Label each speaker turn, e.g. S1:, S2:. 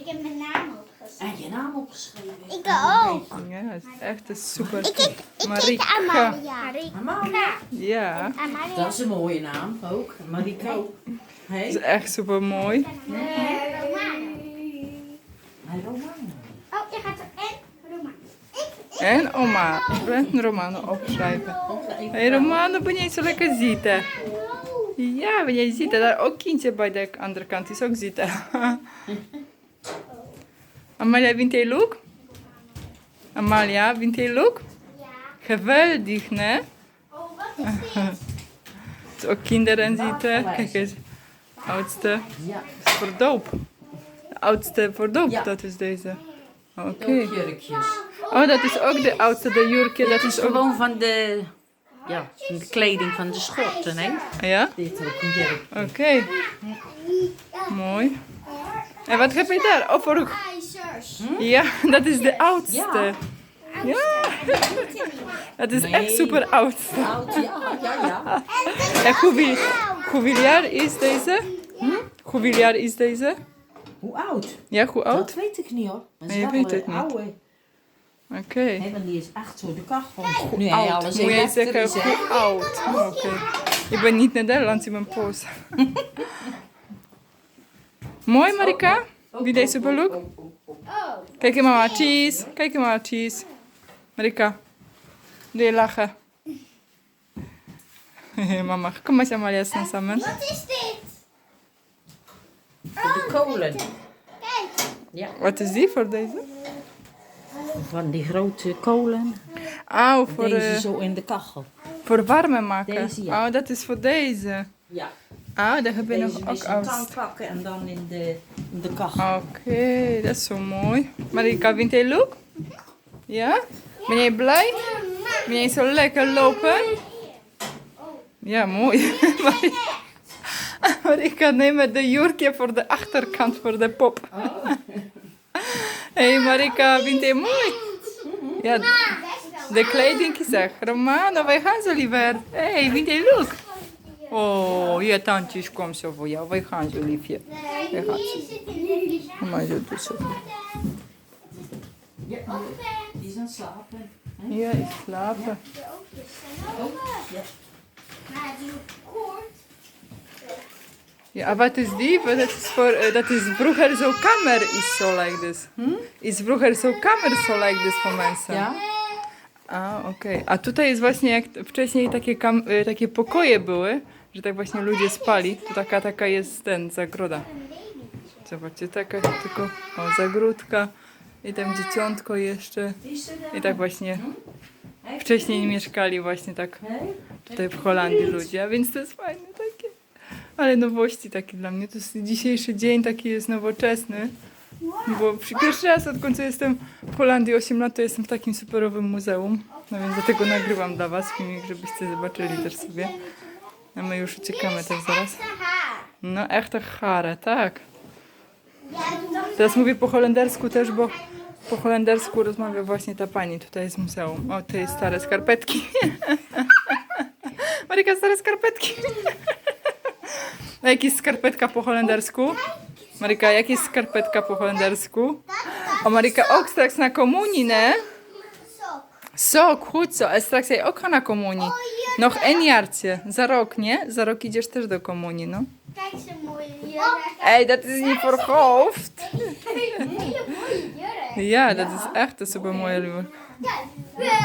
S1: Ik heb mijn naam opgeschreven.
S2: En je naam opgeschreven.
S1: Ik ook.
S3: Ja, het is echt een super.
S1: Ik heet
S3: Marika.
S1: Amalia.
S2: Amalia.
S3: Ja,
S1: Amalia.
S2: Dat is een mooie naam ook. Marika.
S3: het
S2: Hey.
S3: is echt super mooi.
S1: Romano.
S2: Hey, Romano.
S1: Oh, je gaat er en Romano.
S3: En oma, en Romano opschrijven. Hé Romano, ben jij zo lekker zitten? Ja, ben jij zitten? Daar ook kindje bij de andere kant is ook zitten. Amalia, vindt hij leuk? Amalia, vindt hij leuk?
S1: Ja.
S3: Geweldig, hè?
S1: Oh, wat is dit?
S3: Dus ook kinderen zitten. Kijk eens. Oudste
S2: Ja.
S3: is voor doop. De oudste voor doop,
S2: Ja.
S3: dat is deze. Oké.
S2: Ook jurkjes.
S3: Oh, dat is ook de oudste, de jurkje. Dat
S2: Het
S3: is
S2: is
S3: ook...
S2: gewoon van de, ja, van de kleding van de schorten, hè?
S3: Ja?
S2: Dit ook een jurk.
S3: Oké. Mooi. En wat heb je daar? Oh, voor...
S1: IJzers.
S3: Ja, dat is de oudste.
S2: Ja.
S3: Ja. Dat is echt
S2: Nee.
S3: super oud.
S2: Oud, ja, ja.
S3: En hoeveel jaar is deze? Hoeveel jaar is deze?
S2: Hoe oud?
S3: Ja, hoe oud?
S2: Dat weet ik niet hoor. Dat is
S3: Nee, je
S2: wel
S3: weet het
S2: een
S3: niet.
S2: oude.
S3: Oké.
S2: Hè, want die is echt zo de kachel. Nu hij
S3: Oud.
S2: alles
S3: Moet jij
S2: elektrisch
S3: zeggen
S2: is, hè?
S3: hoe oud? Oké. Ik ben niet Nederlands in mijn poos. Mooi Marika? Wie deze belook?
S1: Oh.
S3: Kijk eens mama, cheese. Kijk eens mama, cheese. Marika, doe je lachen? Mama, kom maar Amalia snel samen.
S1: Wat is dit?
S2: Voor de kolen.
S1: Kijk.
S2: Ja,
S3: Wat is die voor deze?
S2: van die grote kolen.
S3: Oh, voor,
S2: Deze zo in de kachel.
S3: voor warmen maken.
S2: Deze, ja.
S3: Oh, dat is voor deze.
S2: Ja.
S3: Ah, daar heb je nog
S2: Deze
S3: ook
S2: is een
S3: oud.
S2: tang pakken en dan in de kachel.
S3: Oké, dat is zo mooi. Marika, vindt hij leuk? Ja? Ben jij blij? Ben jij zo lekker lopen? Ja, mooi. Marika, neem de jurkje voor de achterkant, voor de pop. Hé Marika, vindt hij mooi? Ja, de kleding is echt. Romano, wij gaan zo liever. Hé, vindt hij leuk? Oh, je tandjes komt zo voor jou. Wij gaan zo liefje. Wij gaan zo. Maar zo doet zo.
S2: Ja, die is aan het slapen. Hè?
S3: Ja, ik slapen.
S2: Ja.
S1: Maar die koort.
S3: Ja, wat is die? Dat is, voor, dat is vroeger zo kamer is zo like this. Is vroeger zo kamer zo like this voor mensen.
S2: Ja?
S3: A, okej. A tutaj jest właśnie jak wcześniej takie pokoje były, że tak właśnie ludzie spali. To taka jest zagroda. Zobaczcie, taka tylko zagródka i tam dzieciątko jeszcze. I tak właśnie wcześniej mieszkali właśnie tak tutaj w Holandii ludzie, a więc to jest fajne takie. Ale nowości takie dla mnie. To jest dzisiejszy dzień taki jest nowoczesny. Bo pierwszy raz odkąd jestem w Holandii 8 lat, to jestem w takim superowym muzeum. No więc dlatego nagrywam dla was filmik, żebyście zobaczyli też sobie. A my już uciekamy też zaraz. No echte chare, tak. Teraz mówię po holendersku też, bo po holendersku rozmawia właśnie ta pani tutaj z muzeum. O, te stare skarpetki. Marika, stare skarpetki. A jak jest skarpetka po holendersku? Marika, jak jest skarpetka po holendersku? O, Marika, ook straks naar communie, ne? Sok, goed zo. En straks jij ook gaan naar communie. Nog 1 jaartje. Za rok, nie? Za rok idziesz też do komunii, no.
S1: Kijk zo'n mooie jurk.
S3: Hé, dat is niet voor hoofd.
S1: Hele mooie jurk.
S3: Ja, dat is echt een super mooie jurk.
S1: Kijk.